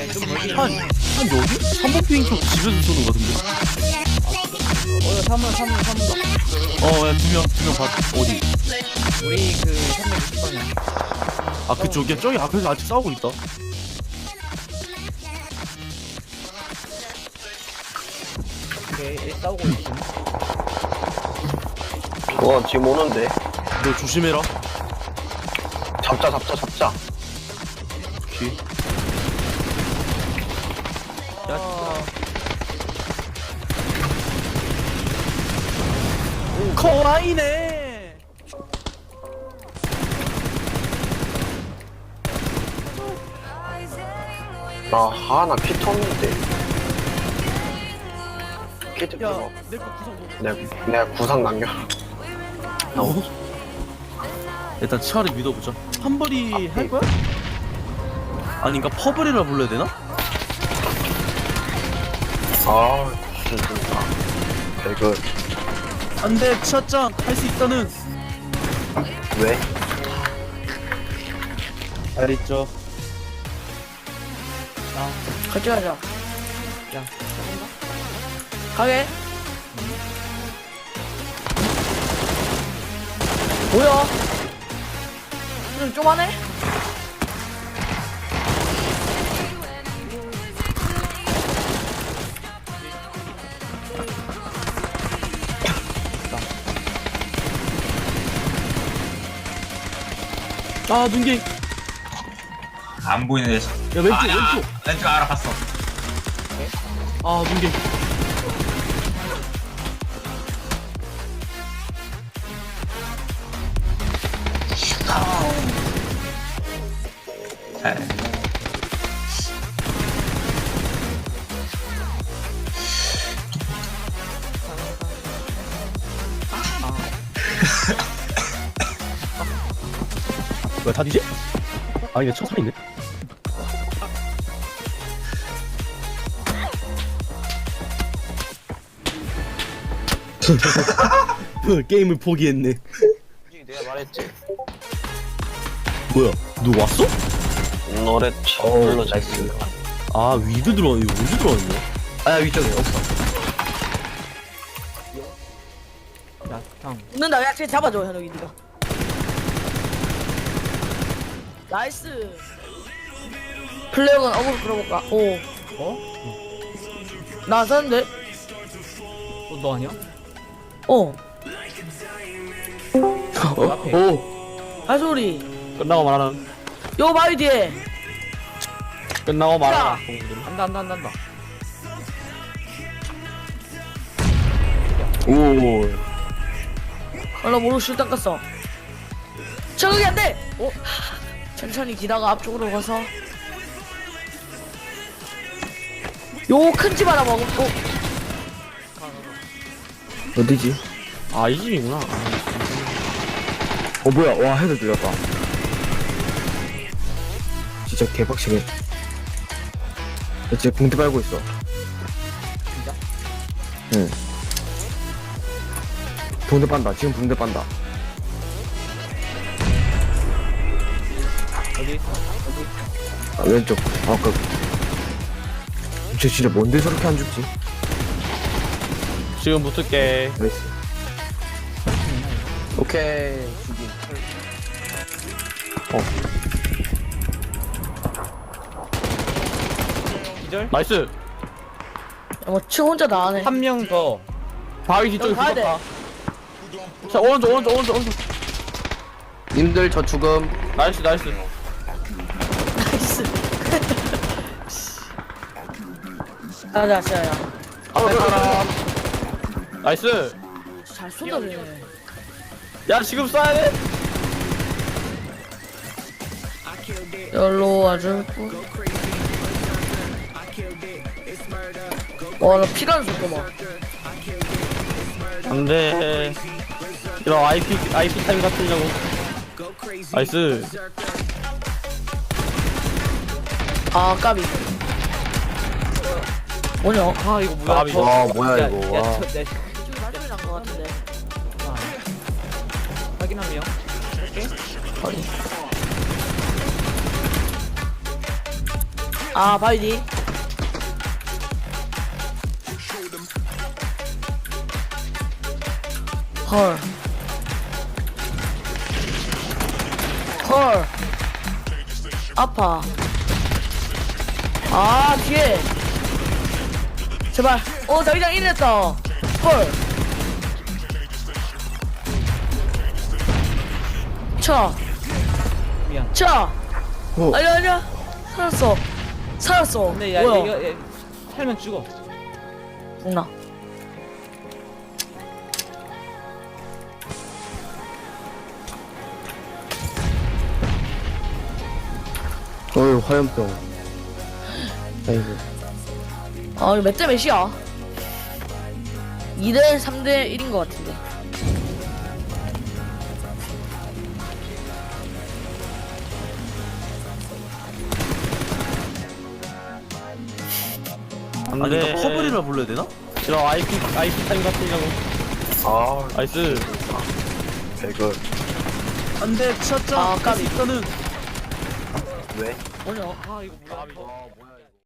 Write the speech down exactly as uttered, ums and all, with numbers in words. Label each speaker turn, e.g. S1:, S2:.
S1: 좀 멀리.
S2: 한, 한 여기? 삼 번 핑 쪽 집에서 쏘는 거 같은데?
S1: 어, 삼 번, 삼 번, 삼 번.
S2: 어, 야, 두 명, 두 명 봐. 어디?
S1: 우리 그 삼백육십 번이야.
S2: 아, 그쪽이야? 저기 앞에서 아직 싸우고 있다.
S1: 오케이, 싸우고 있어.
S3: 와 지금 오는데.
S2: 너 조심해라.
S3: 잡자 잡자 잡자.
S2: 오케이.
S1: 야,
S2: 커와이네.
S3: 나 하나 피 텄는데. 키트
S2: 야,
S3: 필요.
S2: 내거 구성 뭐?
S3: 내가 내가 구상 남겨.
S2: 어? 일단 치아를 믿어보자. 한벌이 할 거야? 아닌가 퍼블이라 불러야 되나?
S3: 아 진짜. 배그
S2: 안돼, 치아짱 할 수 있다는.
S3: 왜?
S2: 잘 있죠.
S4: 같이 가자.
S1: 야,
S4: 가게. 뭐야? 좀 쪼만해?
S2: 아, 눈갱.
S5: 안 보이네. 야,
S2: 야, 왼쪽,
S5: 아, 야,
S2: 왼쪽.
S5: 왼쪽 알아봤어.
S2: 아, 눈갱.
S5: 잘.
S2: 뭐야, 다 뒤지? 아, 이게 첫 살인데? 게임을 포기했네.
S3: 내가 말했지.
S2: 뭐야, 누 왔어?
S3: 노래 저걸로 잘 쓰.
S2: 아, 위드 들어왔네. 이거 위드 들어왔네.
S3: 아야 위쪽에 없어.
S1: 야, 형.
S4: 웃는다. 야, 쟤 잡아줘, 현욱이 니가. 나이스. 플레이어건 어그로 끌어볼까? 오.
S1: 어?
S4: 나왔었는데?
S1: 어, 너 아니야?
S4: 어.
S1: 앞에.
S2: 오,
S4: 할 소리.
S2: 끝나고 말하는.
S4: 요 바위 뒤에.
S2: 끝나고
S4: 말하라.
S1: 한다, 한다, 한다, 한다.
S2: 오.
S4: 얼른 모르고 실탄 깠어. 적응이 안 돼! 어? 천천히 기다가 앞쪽으로 가서. 요 큰 집 하나 먹고. 어?
S2: 어디지? 아, 이 집이구나. 어, 뭐야. 와, 헤드 들렸다. 진짜 개박치네. 진짜 붕대 밟고 있어.
S1: 진짜?
S2: 응. 붕대 빤다. 지금 붕대 빤다.
S1: 어디 있어?
S2: 아, 왼쪽. 아, 그. 쟤 진짜 뭔데 저렇게 안 죽지? 지금 붙을게. 나이스.
S3: 오케이. 죽이.
S2: 어.
S1: 기절?
S2: 나이스.
S4: 야, 뭐, 층 혼자 다 하네.
S1: 한 명 더.
S2: 바위 뒤쪽에
S4: 여기 가야 돼.
S2: 붙었다. 자, 오른쪽, 오른쪽, 오른쪽, 오른쪽.
S3: 님들 저 죽음.
S2: 나이스, 나이스.
S4: 나이스. 가자, 시아야.
S2: 앞에 사람. 나이스.
S4: 잘 쏟아내.
S2: 야, 지금 쏴야 돼?
S4: 열로 와줄고. 와, 나 피가 줬구만.
S2: 안 돼. 이런 아이피, 아이피 타임 같으려고. 나이스.
S4: 아, 까비. 뭐냐?
S1: 아, 이거 뭐야?
S2: 아,
S1: 저-
S3: 와, 뭐야,
S1: 야,
S3: 이거.
S1: 야,
S3: 와.
S1: 저, 내,
S4: 이쪽이 발전이 난것 같은데.
S1: 아, 확인 한 명.
S4: 확인. 아 바이디. 헐. 헐. 아파. 아 뒤에. 제발. 어 자기장 일했다. 헐. 차.
S1: 미안.
S4: 차.
S2: 어.
S4: 아니야 아니야. 살았어. 살았어.
S1: 근데 야
S4: 뭐야?
S1: 이거 얘, 살면 죽어.
S4: 죽나?
S2: 어휴 화염병. 아이고.
S4: 아 이거 몇 대 몇이야? 이 대 삼 대 일인 것 같은데.
S6: 아니 이거 커브리라 불러야 되나? 싫어 아이피 아이피 타임 같으냐고. 아 나이스.
S3: 배그.
S6: 안돼 샷자.
S4: 아, 까비.
S6: 일단은
S4: 뭐냐?
S1: 아 이거 뭐야?
S6: 뭐야?